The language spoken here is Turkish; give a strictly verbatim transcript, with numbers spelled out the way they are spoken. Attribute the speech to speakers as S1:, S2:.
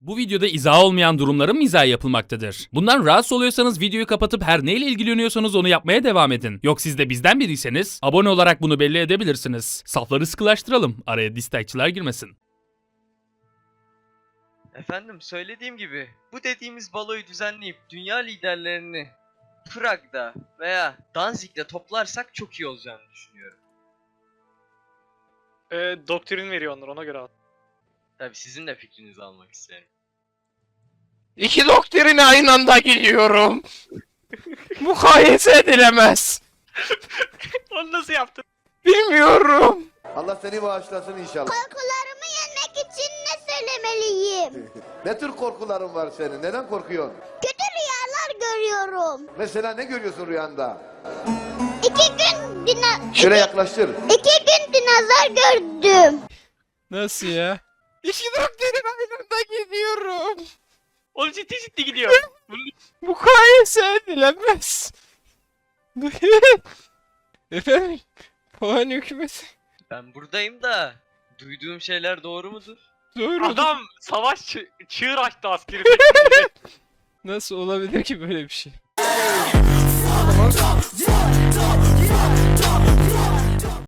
S1: Bu videoda izah olmayan durumların mizahı yapılmaktadır. Bundan rahatsız oluyorsanız videoyu kapatıp her neyle ilgileniyorsanız onu yapmaya devam edin. Yok siz de bizden biriyseniz abone olarak bunu belli edebilirsiniz. Safları sıkılaştıralım. Araya dislike'çılar girmesin.
S2: Efendim söylediğim gibi bu dediğimiz baloyu düzenleyip dünya liderlerini Prag'da veya Danzig'de toplarsak çok iyi olacağını düşünüyorum.
S3: Ee, doktrin veriyor onlar, ona göre at.
S2: Tabii sizin de fikrinizi almak isterim.
S4: İki doktrine aynı anda gidiyorum. Mukayese edilemez.
S3: Onu nasıl yaptın?
S4: Bilmiyorum.
S5: Allah seni bağışlasın inşallah.
S6: Korkularımı yenmek için ne söylemeliyim?
S5: Ne tür korkuların var senin? Neden korkuyorsun?
S6: Kötü rüyalar görüyorum.
S5: Mesela ne görüyorsun rüyanda?
S6: İki gün dina...
S5: Şöyle
S6: iki,
S5: yaklaştır.
S6: iki gün dinozor gördüm.
S4: Nasıl ya? İki doktrine aynı anda gidiyorum.
S3: Oğlum ciddi ciddi gidiyor.
S4: Mukayese edilemez. Efendim? Puan hükümeti.
S2: Ben buradayım da duyduğum şeyler doğru mudur?
S4: Doğru.
S3: Adam savaş çı- çığır açtı askeri.
S4: Nasıl olabilir ki böyle bir şey?